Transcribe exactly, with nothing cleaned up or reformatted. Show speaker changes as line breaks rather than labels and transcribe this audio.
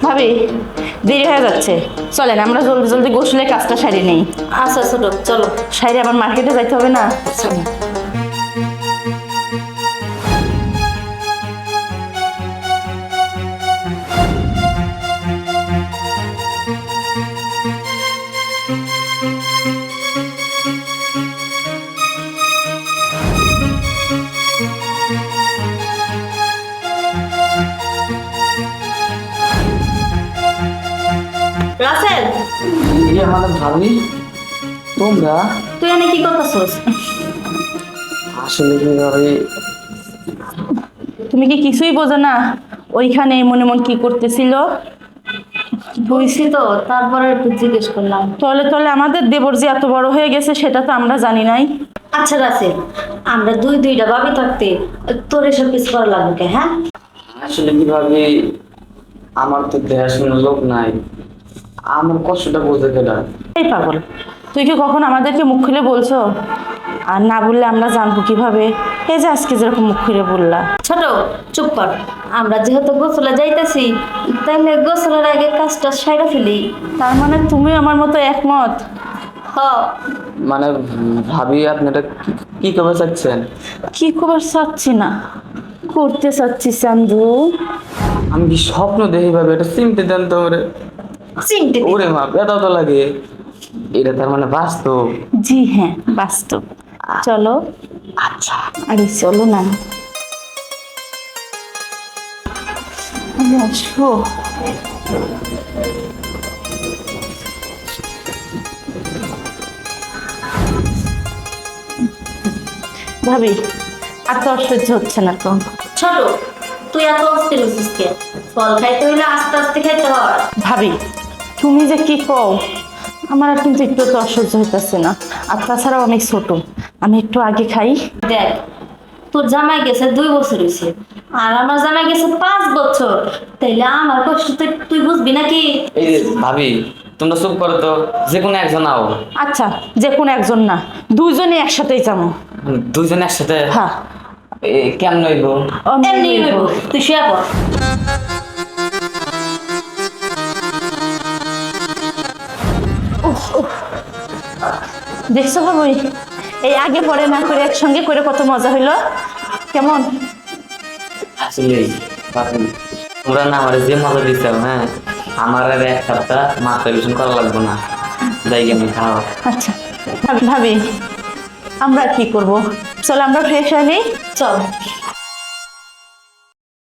ভাবি দেরি হয়ে যাচ্ছে, চলেন আমরা জলদি জলদি গোসলের কাজটা সারি নেই।
আচ্ছা ছোট চলো।
সাইরে আবার মার্কেটে যাইতে হবে না। চলো।
রাসেল
ইয়ে মানে ভাবি তোমরা
তুই এনে কি করতেছস?
আসলে কি ভাবি
তুমি কি কিছুই বোঝো না ওইখানে মনে মন কি করতেছিল?
বুঝছি তো, তারপরে একটু জিজ্ঞেস করলাম।
তলে তলে আমাদের দেবর যে এত বড় হয়ে গেছে সেটা তো আমরা জানি নাই।
আচ্ছা রাসেল, আমরা দুই দুইটা ভাবি থাকতে তোর এসব কিছু করা লাগবে কে? হ্যাঁ
আসলে কি ভাবি আমার তো দেখাশোনার লোক নাই, আমার কষ্টটা বোঝে গেল।
এই পাগল, তুই কি কখন আমাদেরকে মুখ খুলে বলছো? আর না বললে আমরা জানবো কিভাবে? এই যে আজকে যেরকম মুখ খুলে বললা।
ছোট চুপ কর। আমরা যেহেতু গোসলে যাইতেছি, তাইলে গোসলের আগে কাজটা সাইরা ফেলি।
তার মানে তুমি আমার মতো একমত?
হ
মানে ভাবি আপনি এটা কি- কি করতে চাচ্ছেন?
কি খবর চাচ্ছি না, করতে চাচ্ছি চান্দু।
আমি কি স্বপ্ন দেখি ভাবি? এটা চিনতে দেন তো ওরে।
চিনতে
ওরে মা ব্যথা তো লাগে, এটা তার মানে বাস্তব।
জি হ্যাঁ, বাস্তব। চলো।
আচ্ছা
আরে চলো না। আরে আসো। ভাবি আর তো অসহ্য হচ্ছে না তো।
ছোট তুই এত অস্থির হচ্ছিস কে? ফল খাইতে হইলে আস্তে আস্তে খাইতে হয়।
ভাবি তুমি যে কি কও, আমার আর কিন্তু একটু তো অসহ্য হইতেছে না। আর তাছাড়াও আমি ছোট, আমি একটু আগে খাই।
দেখ, তোর জামাই গেছে দুই বছর হয়েছে, আর আমার জামাই গেছে পাঁচ বছর। তাইলে আমার কষ্ট তুই তুই বুঝবি নাকি?
এই যে ভাবি তোমরা চুপ করো তো, যে কোনো একজন আও।
আচ্ছা, যে কোনো একজন না, দুইজনে একসাথেই যাবো।
দুইজন একসাথে?
হ্যাঁ।
এ, কেমন হইব?
এমনি হইব, তুই শুয়ে পড়।
দেখছো ভাবি, এই আগে পরে না করে একসঙ্গে করে কত মজা হইলো। কেমন?
আসলে ভাবি তোমরা না আমার যে মজা দিচ্ছ, হ্যাঁ আমার আর এক সপ্তাহ মাথা টিউশন করা লাগবে না। যাই আমি খাওয়া।
আচ্ছা ভাবি, ভাবি আমরা কি করব? চলো আমরা ফ্রেশ হয়ে নিই।
চল।